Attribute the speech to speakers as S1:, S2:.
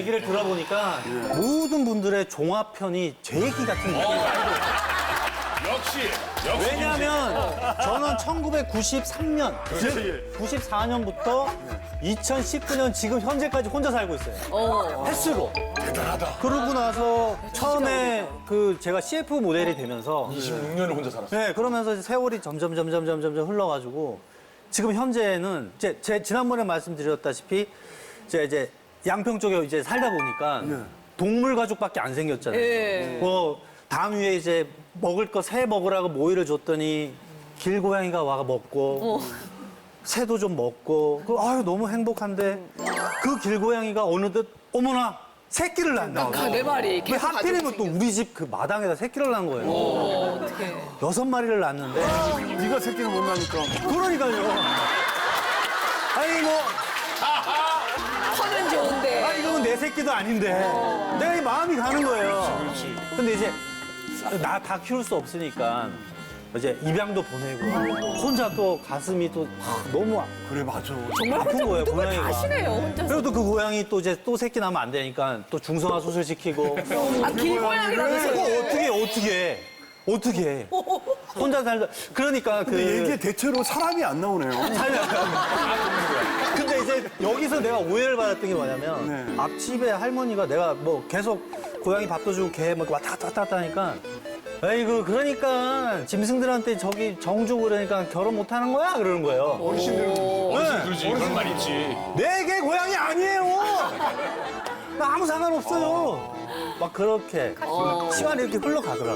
S1: 얘기를 들어보니까 모든 분들의 종합편이 제 얘기 같은 느낌이에요.
S2: 역시.
S1: 왜냐하면 저는 1993년, 즉 94년부터 2019년 지금 현재까지 혼자 살고 있어요. 횟수로.
S2: 대단하다.
S1: 그러고 나서 처음에 그 제가 CF 모델이 되면서
S2: 26년을 혼자 살았어.
S1: 네, 그러면서 세월이 점점 흘러가지고 지금 현재는 제 지난번에 말씀드렸다시피 이제 양평 쪽에 이제 살다 보니까 동물 가족밖에 안 생겼잖아요. 뭐 담 위에 이제 먹을 거 새 먹으라고 모이를 줬더니 길고양이가 와가 먹고 새도 좀 먹고 아유 너무 행복한데 그 길고양이가 어느덧 어머나 새끼를 낳는다.
S3: 내 말이
S1: 왜
S3: 계속
S1: 하필이면 또 우리 집 그 마당에다 새끼를 낳은 거예요.
S3: 어떻게?
S1: 6마리를 낳았는데
S4: 네가 새끼를 못 낳으니까.
S1: 그러니까요. 아니 뭐
S3: 커는 좋은데.
S1: 이거는 내 새끼도 아닌데 내가 이 마음이 가는 거예요. 근데 이제 나 다 키울 수 없으니까 이제 입양도 보내고 혼자 또 가슴이 또 너무
S4: 그래, 맞아.
S3: 정말
S1: 아픈
S3: 혼자
S1: 거예요,
S3: 모든 걸 다
S1: 고양이가.
S3: 하시네요, 혼자서.
S1: 그래도 그 고양이 또 이제 또 새끼 나면 안 되니까 또 중성화 수술 시키고
S3: 아, 길고양이라면서.
S1: 그거 어떻게 해? 혼자 살다 그러니까
S4: 근데 이게 대체로 사람이 안 나오네요.
S1: 근데 이제 여기서 내가 오해를 받았던 게 뭐냐면 앞집에 할머니가 내가 뭐 계속 고양이 밥도 주고 개 뭐 왔다 갔다 하니까 에이구 그러니까 짐승들한테 저기 정 주고 그러니까 결혼 못 하는 거야 그러는 거예요.
S2: 그러지. 그런 말 있지.
S1: 내 개 고양이 아니에요. 나 아무 상관 없어요. 막 그렇게 시간이 이렇게 흘러가더라고요.